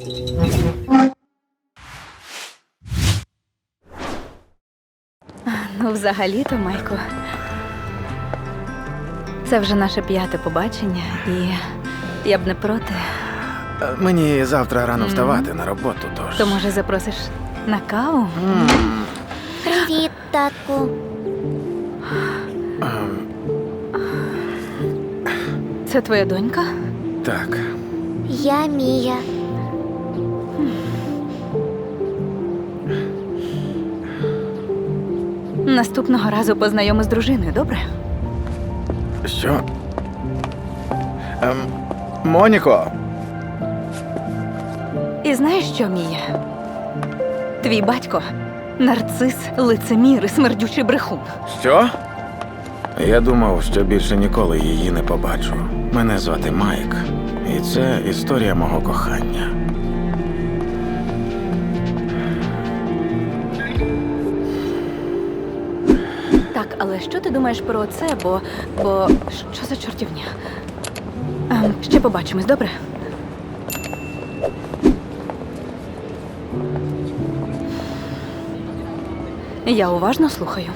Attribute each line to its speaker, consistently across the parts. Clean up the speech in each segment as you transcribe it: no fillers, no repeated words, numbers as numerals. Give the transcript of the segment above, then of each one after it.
Speaker 1: Ну, взагалі-то, Майко, це вже наше 5-те побачення, і я б не проти.
Speaker 2: Мені завтра рано вставати на роботу, тож.
Speaker 1: То, може, запросиш на каву?
Speaker 3: Привіт, татку.
Speaker 1: Це твоя донька?
Speaker 2: Так.
Speaker 3: Я Мія.
Speaker 1: Наступного разу познайоми з дружиною, добре?
Speaker 2: Що? Моніко!
Speaker 1: І знаєш що, Мія? Твій батько – нарцис, лицемір і смердючий брехун.
Speaker 2: Що? Я думав, що більше ніколи її не побачу. Мене звати Майк, і це історія мого кохання.
Speaker 1: Так, але що ти думаєш про це, бо що за чортівня? Ще побачимось, добре? Я уважно слухаю.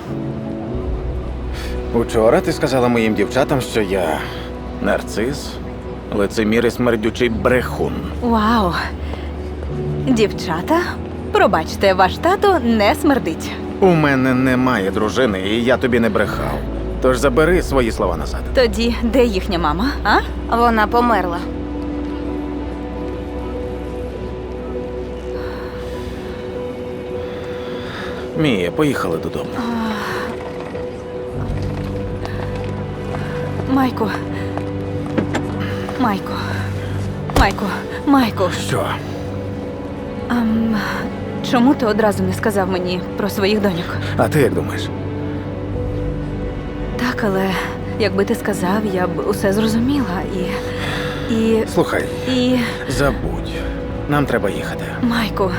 Speaker 2: Учора ти сказала моїм дівчатам, що я нарцис, лицемір і смердючий брехун.
Speaker 1: Вау! Дівчата, пробачте, ваш тато не смердить.
Speaker 2: У мене немає дружини, і я тобі не брехав. Тож забери свої слова назад.
Speaker 1: Тоді де їхня мама, а?
Speaker 4: Вона померла.
Speaker 2: Мія, поїхали додому.
Speaker 1: Майко. Майко. Майко. Майко.
Speaker 2: Що?
Speaker 1: Чому ти одразу не сказав мені про своїх доньок?
Speaker 2: А ти як думаєш?
Speaker 1: Так, але якби ти сказав, я б усе зрозуміла і...
Speaker 2: Слухай,
Speaker 1: І...
Speaker 2: забудь. Нам треба їхати.
Speaker 1: Майку,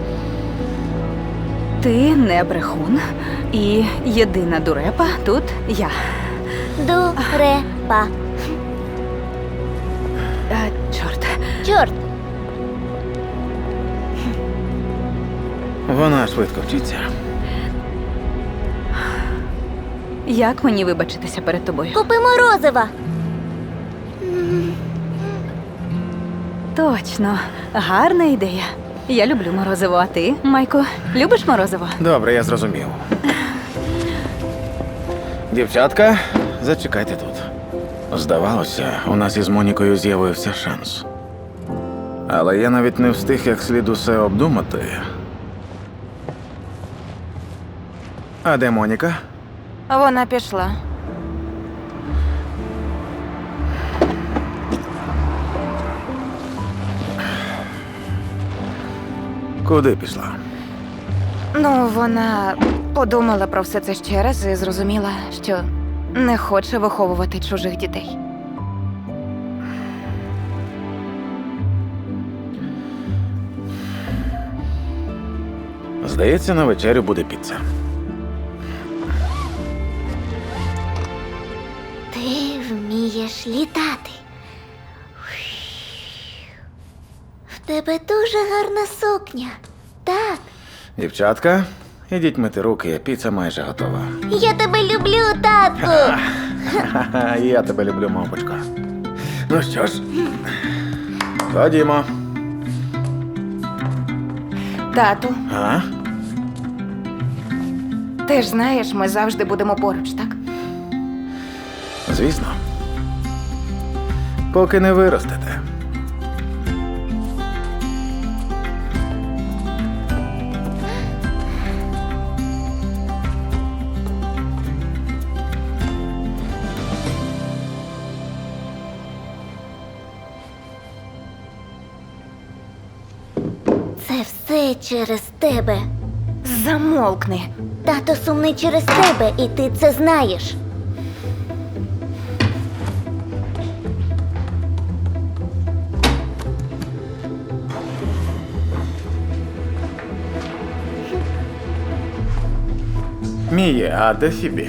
Speaker 1: ти не брехун, і єдина дурепа тут я.
Speaker 3: Дурепа.
Speaker 1: Чорт.
Speaker 3: Чорт.
Speaker 2: Вона швидко вчиться.
Speaker 1: Як мені вибачитися перед тобою?
Speaker 3: Купи морозива.
Speaker 1: Точно, гарна ідея. Я люблю морозиво, а ти, Майко, любиш морозиво?
Speaker 2: Добре, я зрозумів. Дівчатка, зачекайте тут. Здавалося, у нас із Монікою з'явився шанс. Але я навіть не встиг як слід усе обдумати. А де Моніка?
Speaker 4: Вона пішла.
Speaker 2: Куди пішла?
Speaker 4: Ну, вона подумала про все це ще раз і зрозуміла, що не хоче виховувати чужих дітей.
Speaker 2: Здається, на вечерю буде піца.
Speaker 3: Ти вмієш літати. В тебе дуже гарна сукня. Так,
Speaker 2: Дівчатка, ідіть мити руки, піца майже готова.
Speaker 3: я тебе люблю, татку.
Speaker 2: Ха-ха, я тебе люблю, мамочка. Ну що ж, ходімо.
Speaker 4: Тату,
Speaker 2: А?
Speaker 4: ти ж знаєш, ми завжди будемо поруч, так?
Speaker 2: Звісно. Поки не виростете.
Speaker 3: Це все через тебе.
Speaker 4: Замовкни.
Speaker 3: Тато сумний через тебе, і ти це знаєш.
Speaker 2: Міє, а де Фібі?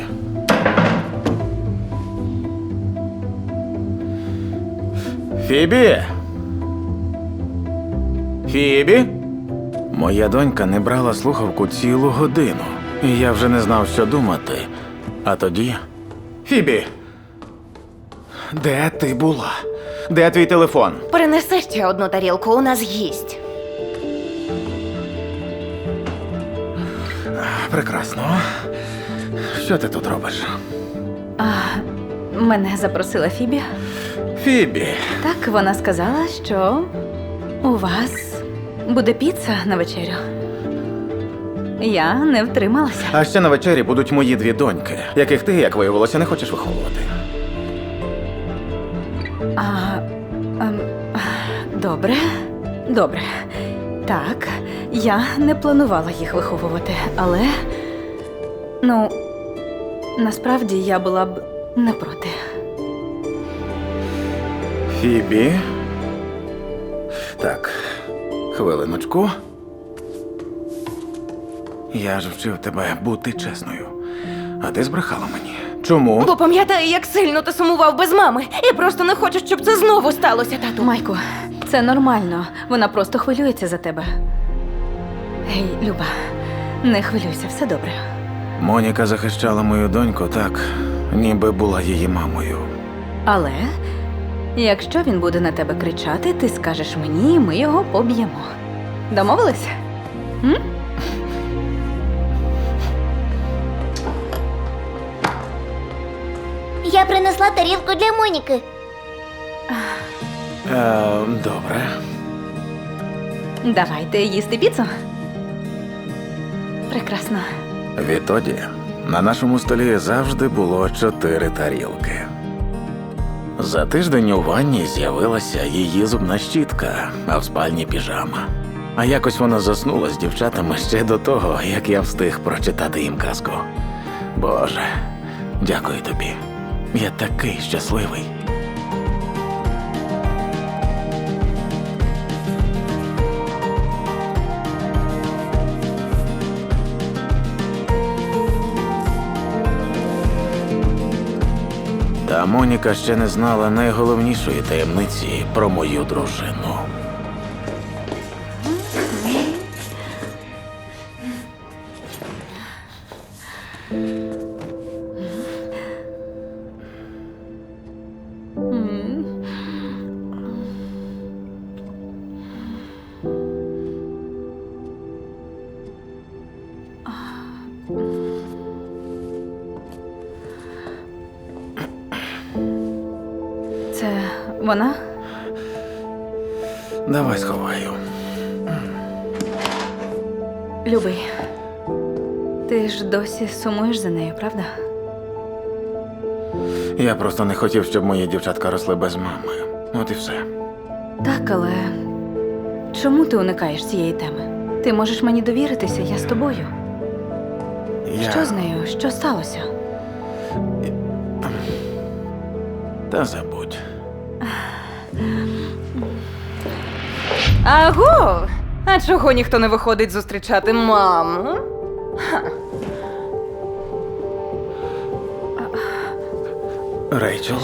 Speaker 2: Фібі! Фібі? Моя донька не брала слухавку цілу годину, і я вже не знав, що думати. А тоді... Фібі! Де ти була? Де твій телефон?
Speaker 4: Принеси ще одну тарілку, у нас гість.
Speaker 2: Прекрасно. Що ти тут робиш?
Speaker 1: Мене запросила Фібі.
Speaker 2: Фібі.
Speaker 1: Так, вона сказала, що у вас буде піца на вечерю. Я не втрималася.
Speaker 2: А ще на вечері будуть мої дві доньки, яких ти, як виявилося, не хочеш виховувати.
Speaker 1: Добре, добре. Так, я не планувала їх виховувати, але. Ну, насправді я була б не проти.
Speaker 2: Фібі. Так, хвилиночку. Я ж вчив тебе бути чесною. А ти збрехала мені. Чому?
Speaker 4: Бо пам'ятаю, як сильно ти сумував без мами. І просто не хочу, щоб це знову сталося, тату.
Speaker 1: Майку, це нормально. Вона просто хвилюється за тебе. Гей, Люба, не хвилюйся, все добре.
Speaker 2: Моніка захищала мою доньку так, ніби була її мамою.
Speaker 1: Але якщо він буде на тебе кричати, ти скажеш мені, і ми його поб'ємо. Домовились? М?
Speaker 3: Я принесла тарілку для Моніки.
Speaker 2: Добре.
Speaker 1: Давайте їсти піцу. Прекрасно.
Speaker 2: Відтоді на нашому столі завжди було 4 тарілки. За тиждень у ванні з'явилася її зубна щітка, а в спальні піжама. А якось вона заснула з дівчатами ще до того, як я встиг прочитати їм казку. Боже, дякую тобі. Я такий щасливий. Та Моніка ще не знала найголовнішої таємниці про мою дружину.
Speaker 1: Це вона?
Speaker 2: Давай сховаю.
Speaker 1: Любий, ти ж досі сумуєш за нею, правда?
Speaker 2: Я просто не хотів, щоб мої дівчатка росли без мами. От і все.
Speaker 1: Так, але чому ти уникаєш цієї теми? Ти можеш мені довіритися, я з тобою. Що з нею? Що сталося?
Speaker 2: Та забудь.
Speaker 4: Аго! А чого ніхто не виходить зустрічати маму?
Speaker 2: Рейчел.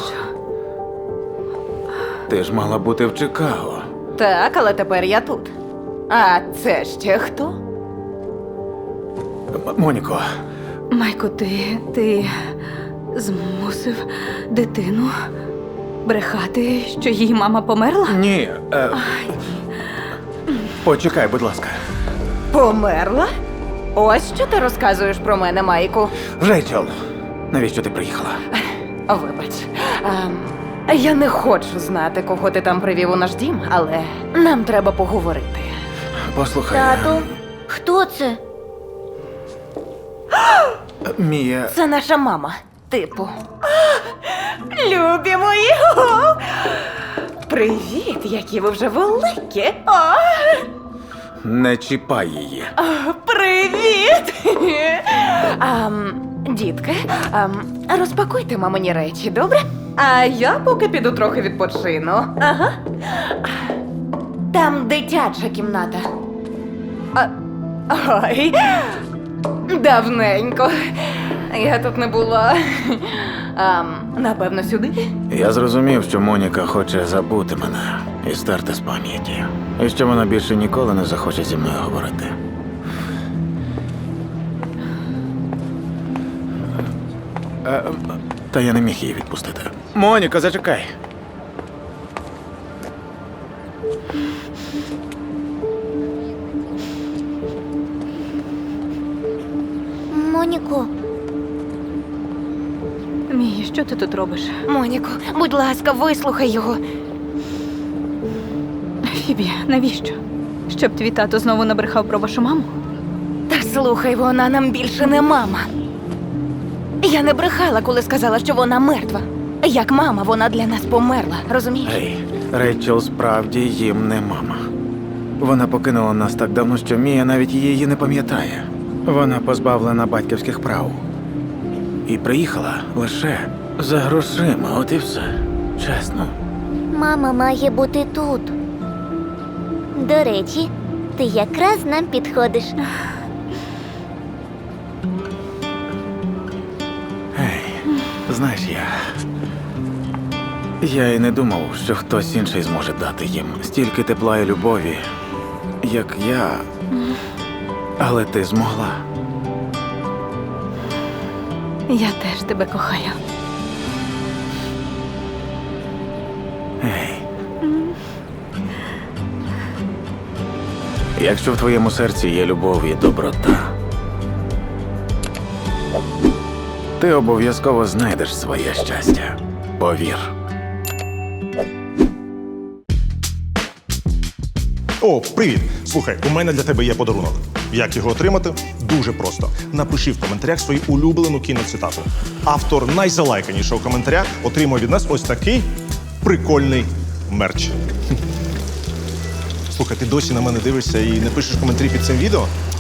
Speaker 2: Ти ж мала бути в Чикаго.
Speaker 4: Так, але тепер я тут. А це ще хто?
Speaker 2: Моніко,
Speaker 1: Майко, ти змусив дитину брехати, що її мама померла?
Speaker 2: ні. Почекай, будь ласка.
Speaker 4: Померла? Ось що ти розказуєш про мене, Майку.
Speaker 2: Рейчел, навіщо ти приїхала?
Speaker 4: Вибач. Я не хочу знати, кого ти там привів у наш дім, але нам треба поговорити.
Speaker 2: Послухай.
Speaker 3: Тату, хто це?
Speaker 2: Мія.
Speaker 4: Це наша мама, типу. Любі мої! Привіт, які ви вже великі!
Speaker 2: Не чіпай її.
Speaker 4: Привіт! Дітки, розпакуйте мамині речі, добре? А я поки піду трохи відпочину. Ага. Там дитяча кімната. Ой, давненько. Я тут не була. Напевно, сюди.
Speaker 2: Я зрозумів, що Моніка хоче забути мене і стерти з пам'яті. І що вона більше ніколи не захоче зі мною говорити. Та я не міг її відпустити. Моніка, зачекай.
Speaker 3: Моніко,
Speaker 1: Мія, що ти тут робиш?
Speaker 4: Моніко, будь ласка, вислухай його.
Speaker 1: Фібі, навіщо? Щоб твій тато знову набрехав про вашу маму?
Speaker 4: Та слухай, вона нам більше не мама. Я не брехала, коли сказала, що вона мертва. Як мама, вона для нас померла, розумієш?
Speaker 2: Гей, Рейчел справді їм не мама. Вона покинула нас так давно, що Мія навіть її не пам'ятає. Вона позбавлена батьківських прав. І приїхала лише за грошима, от і все. Чесно.
Speaker 3: мама має бути тут. До речі, ти якраз нам підходиш.
Speaker 2: Гей, знаєш, я і не думав, що хтось інший зможе дати їм стільки тепла і любові, як я. Але ти змогла.
Speaker 1: Я теж тебе кохаю.
Speaker 2: Гей. Якщо в твоєму серці є любов і доброта, ти обов'язково знайдеш своє щастя. Повір.
Speaker 5: О, привіт! Слухай, у мене для тебе є подарунок. Як його отримати? Дуже просто. Напиши в коментарях свою улюблену кіноцитату. Автор найзалайканішого коментаря отримує від нас ось такий прикольний мерч. Слухай, ти досі на мене дивишся і не пишеш коментарі під цим відео?